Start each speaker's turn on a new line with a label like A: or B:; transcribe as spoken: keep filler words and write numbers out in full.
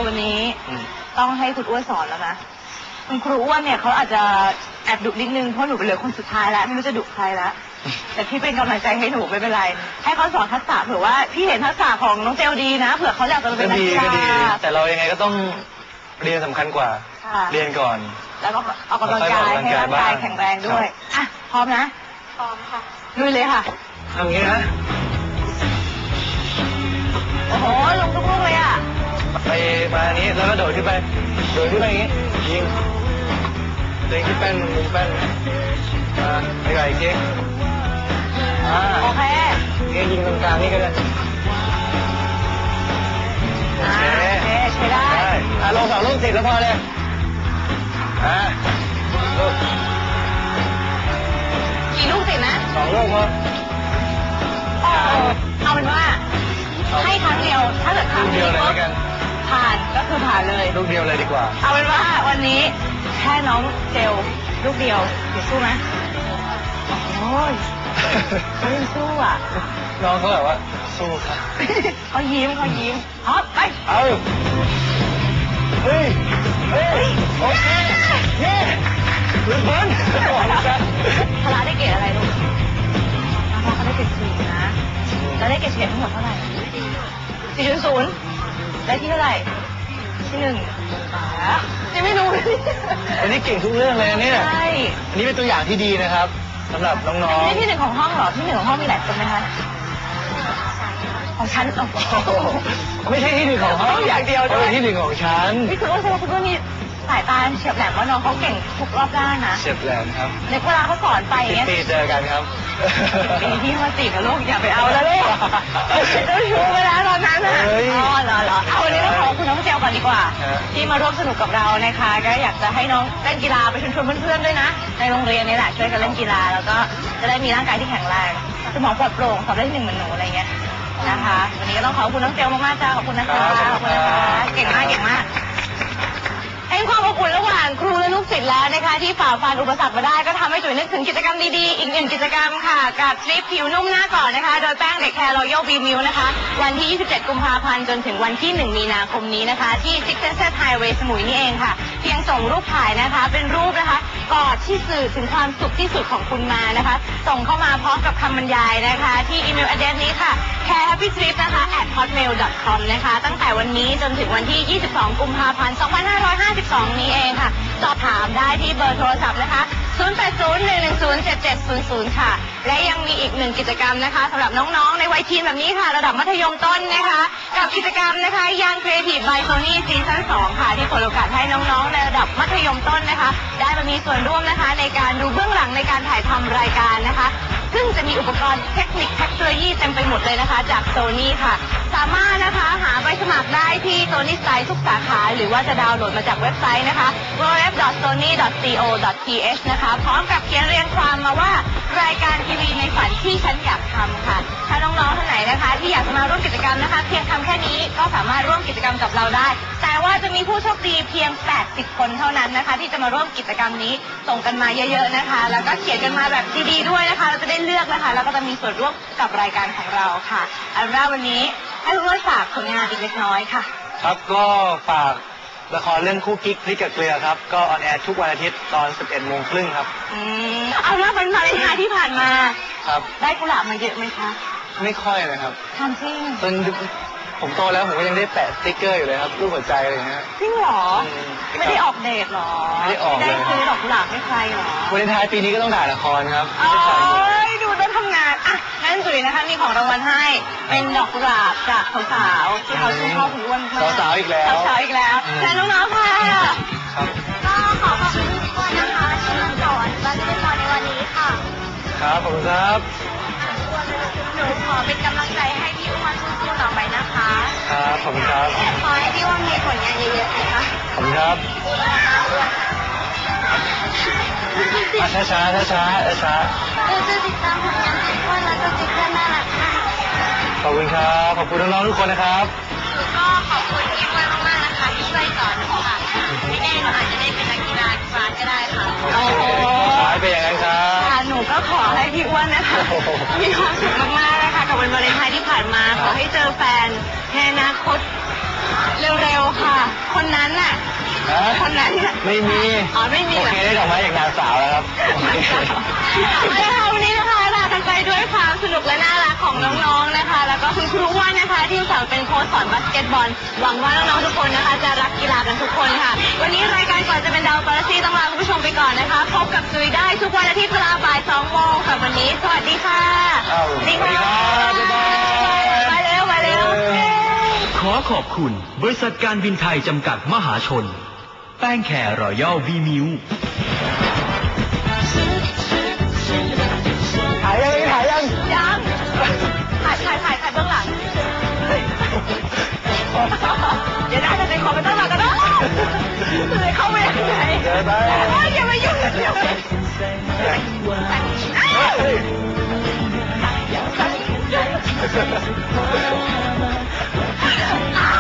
A: วันนี้ต้องให้คุณอ้วนสอนแล้วนะคุณครูอ้วนเนี่ยเขาอาจจะแอบดุนิดนึงเพราะหนูเป็นเหลือคนสุดท้ายแล้วไม่รู้จะดุใครแล้วแต่พี่เป็นกำลังใจให้หนูไม่เป็นไรให้เขาสอนทักษะเผื่อว่าพี่เห็นทักษะของน้องเจลดีนะเผื่อเขาอยากจะเป็นนักกีฬา
B: แต่เรายังไงก็ต้องเรียนสำคัญกว่าเรียนก่อน
A: แล้วก็ออกกำลังกายให้ร่างกายแข็งแรงด้วยอ่ะพร้อมนะพร้อมค่ะลุยเลยค่ะ
B: ทำอย่างนี้นะ
A: โอ้โหลงทุกลูกเลยอ่ะ
B: ไปมาอันนี้แล้วก็โดดขึ้นไปโดดขึ้นไปอย่างนี้ยิงเล็งที่แป้นมุมแป้นมาไปไกลอีกที
A: โอเค
B: นี่ยิงตรงกลางนี่ก็ได้
A: โอเคใช้ได้
B: อ่ะลงสองลูกติดแล้วพอเลยอ่ะลูก
A: กี่ลูกติดนะ
B: สองลูกพอ
A: เอาเป็นว่าให้ครั้งเดียวถ้าเกิดครั้ง
B: เดียวเลยกัน
A: ผ่านก็คือผ่านเลย
B: ลูกเดียวเลยดีกว่า
A: เอาเป็นว่าวันนี้แค่น้องเจลลูกเดียวเดี๋ยวสู้ไหมโอ้ยเขายังสู้อ่ะ
B: น้องเขาแบบว่าสู้ค่ะ
A: เขายิ้มเขายิ้มฮอปไป
B: เอาเฮ้ยเฮ้ยโอเคเย้ลุ้นบอล
A: พละได้เกรดอะไรลูกพละเขาได้เกรดสี่นะแล้วได้เกรดเฉลี่ยทั้งหมดเท่าไหร่สี่จุดศูนย์ได้ที่เท่าไหร่ที่หนึ่งยังไม่รู้
B: วันนี้เก่งทุกเรื่องเลยเนี่ย
A: ใช่
B: อันนี้เป็นตัวอย่างที่ดีนะครับสำหรับน้องๆ
A: นี่ที่หนึ่งของห้องเหรอที่หนึ่งของห้องมีหลายคนไหมคะของฉัน
B: ไม่ใช่ที่หนึ่งของห้อง
A: อย่างเดียวด้วย
B: ที่หนึ่งของฉัน
A: นี่คือว่าคุณว่ามีสายตาเฉียบแหลมว่าน้องเขาเก่งทุกรอบด้านนะ
B: เฉียบแหลมครับ
A: ในเวลาเขาสอนไปอย่างเงี้ย
B: ปีเจอกันครับ
A: ปีที่มาจีบกับลูกอย่าไปเอาแล้วลูกจะชูเวลาตอนนั้นอ่ะอ๋อเหรอเหรอเอาวันนี้ต้องขอบคุณน้องเจลก่อนดีกว่าที่มาร่วมสนุกกับเรานะคะก็อยากจะให้น้องเล่นกีฬาไปชวนเพื่อนๆด้วยนะในโรงเรียนนี่แหละช่วยกันเล่นกีฬาแล้วก็จะได้มีร่างกายที่แข็งแรงสมองปลอดโปร่งสอบได้ที่หนึ่งเหมือนหนูอะไรเงี้ยนะคะวันนี้ก็ต้องขอบคุณน้องเจลมากๆจ้าขอบคุณนะคะขอบคุณนะคะเก่งมากเก่งมากให้ความอบอุ่นระหว่างครูและลูกศิษย์แล้วนะคะที่ฝ่าฟันอุปสรรคมาได้ก็ทำให้จุ๋ยนึกถึงกิจกรรมดีๆอีกหนึ่งกิจกรรมค่ะกับทริปผิวนุ่มหน้าก่อนนะคะโดยแป้งเด็กแคร์รอยัลบีมิวนะคะวันที่ยี่สิบเจ็ดกุมภาพันธ์จนถึงวันที่หนึ่งมีนาคมนี้นะคะที่ Six Senses Highway สมุยนี่เองค่ะเพียงส่งรูปถ่ายนะคะเป็นรูปนะคะกอดที่สื่อถึงความสุขที่สุดของคุณมานะคะส่งเข้ามาพร้อมกับคำบรรยายนะคะที่อีเมล address นี้ค่ะ แคร์ แฮปปี้ ทริป นะคะ แอท ฮอตเมล ดอท คอม นะคะตั้งแต่วันนี้จนถึงวันที่ยี่สิบสองกุมภาพันธ์สองพันห้าร้อยห้าสิบสองนี้เองค่ะสอบถามได้ที่เบอร์โทรศัพท์นะคะศูนย์ แปด ศูนย์ หนึ่ง หนึ่ง ศูนย์ เจ็ด เจ็ด ศูนย์ ศูนย์ ค่ะและยังมีอีกหนึ่งกิจกรรมนะคะสำหรับน้องๆในวัยทีนแบบนี้ค่ะระดับมัธยมต้นนะคะกับกิจกรรมนะคะยัง Creative by Sony ซีซั่นสองค่ะที่เปิดโอกาสให้น้องๆในระดับมัธยมต้นนะคะได้มามีส่วนร่วมนะคะในการดูเบื้องหลังในการถ่ายทำรายการนะคะซึ่งจะมีอุปกรณ์เทคนิคเทคโนโลยีเต็มไปหมดเลยนะคะจาก Sony ค่ะสามารถนะคะหาใบสมัครได้ที่ Sony Style ทุกสาขาหรือว่าจะดาวน์โหลดมาจากเว็บไซต์นะคะ ดับเบิลยู ดับเบิลยู ดับเบิลยู ดอท โซนี่ ดอท ซี โอ ดอท ที เอช นะคะพร้อมกับเขียนเรียงความมาว่ารายการทีวีในฝันที่ฉันอยากทำค่ะถ้าน้องๆท่านไหนนะคะที่อยากจะมาร่วมกิจกรรมนะคะเพียงทำแค่นี้ก็สามารถร่วมกิจกรรมกับเราได้แต่ว่าจะมีผู้โชคดีเพียงแปดสิบคนเท่านั้นนะคะที่จะมาร่วมกิจกรรมนี้ส่งกันมาเยอะๆนะคะแล้วก็เขียนกันมาแบบดีๆด้วยนะคะเราจะได้เลือกนะคะแล้วก็จะมีส่วนร่วมกับรายการของเราค่ะอันแรกวันนี้ให้ทุกคนฝากผลงานอีกเล็กน้อยค่ะ
B: ครับก็ฝากละครเรื่องคู่กิ๊กพริกกับเกลือครับก็ออนแอร์ทุกวันอาทิตย์ตอนสิบเอ็ดโมงครึ่งครับ
A: อืมเอาละวันวาเลนไทน์ที่ผ่านมา
B: ครับ
A: ได้กุหลาบมาเยอะไหมคะ
B: ไม่ค่อยเลยครับ
A: ทำจริง
B: จนผมโตแล้วผมก็ยังได้แปะสติ๊กเกอร์อยู่เลยครับรูปหัวใจอะไรอย่างเงี้ย
A: จริงเหรอไม่ได้ออกเดทหรอ
B: ไม่ได้ออกเลย
A: ได้ซื้อดอกกุหลาบให้ใครหรอ
B: วาเลนไทน์ปีนี้ก็ต้องถ่ายละครครับ
A: โอ้ยดูต้องทำงานอ่ะงั้นจุ๋ยนะคะมีของรางวัลให้เป็นดอกกุหลาบจากสาวๆที่เขาชื่นชอบคุณอ้วนมาก
B: สาวๆอีกแล้ว
A: สาวๆอีกแล้วและน้องๆค่ะ
C: ก็ขอขอบคุณทุกคนนะคะที่มาสอนบัสเกตบอลในวันนี้ค่ะ
B: ครับขอบคุณครับ
C: หนูขอเป็นกำลังใจให้พี่อ้วนสู้ๆต่อไปนะคะ
B: ครับขอบคุณครับ
C: ขอให้พี่อ้วนมีผลงานเยอะๆนะคะ
B: ขอบคุณครับช้าช้าช้าช้าช้า
C: เราจะติดตามผลงานพี่อ้วนแล้วก็ติดตามน่ารักค่ะ
B: ขอบคุณครับขอบคุณน้องๆทุกคนนะครับ
C: ก็ขอบคุณพี่อ้วนมากๆนะคะที่ช่วยสอนหนูค่ะไม่แน่หนูอาจจะได้เป็นนักกีฬาบาสก็ได้ค่ะ
A: โอ้โห
B: ขอให้เป็นอย่างนั้นครับ
A: หนูก็ขอให้พี่อ้วนนะคะมีความสุขมากๆนะคะกับวันวาเลนไทน์ที่ผ่านมาขอให้เจอแฟนในอนาคตเร็วๆค่ะคนนั้นน่ะ
B: ฮะ
A: คนนั้นน่ะ
B: ไม่มี
A: อ๋อไม่มี
B: โอ
A: เหรอ
B: เคได้ดอกไม้จากนางสาวแล้วครับ
A: เอาละค่ะวันนี้นะคะลากันไปด้วยความสนุกและน่ารักของน้องๆนะคะ แล้วก็คุณครูว่านนะคะที่สอนเป็นโค้ชสอนบาสเกตบอลหวังว่าน้องๆทุกคนนะคะจะรักกีฬากันทุกคนค่ะวันนี้รายการก่อนจะเป็นดาวกาแล็กซี่ต้องลาคุณผู้ชมไปก่อนนะคะพบกับจุยได้ทุกวันอาทิตย์เวลาบ่ายสองโมงค่ะวันนี้สวัสดีค่ะ
B: อ้าว
A: สวัสดีค่ะ
B: สวัสดีครับบ๊ายบาย
A: มาเร็วมาเร็ว
D: ขอขอบคุณบริษัทการบินไทยจำกัดมหาชน แป้งแคร์รอยัลวีมิว
B: ถ่ายยังถ่ายยัง
A: ยังถ่ายถ่ายถ่ายถ่ายเบื้องหลังเดี๋ยวน่าจะเป็นคอมพิวเตอร์มาก็ได้เลยเข้าไปยังไง
B: เดี๋ยวไป
A: อย่ามายุ่งกับเดี๋ยว
B: เฮ้ย
A: อ้าว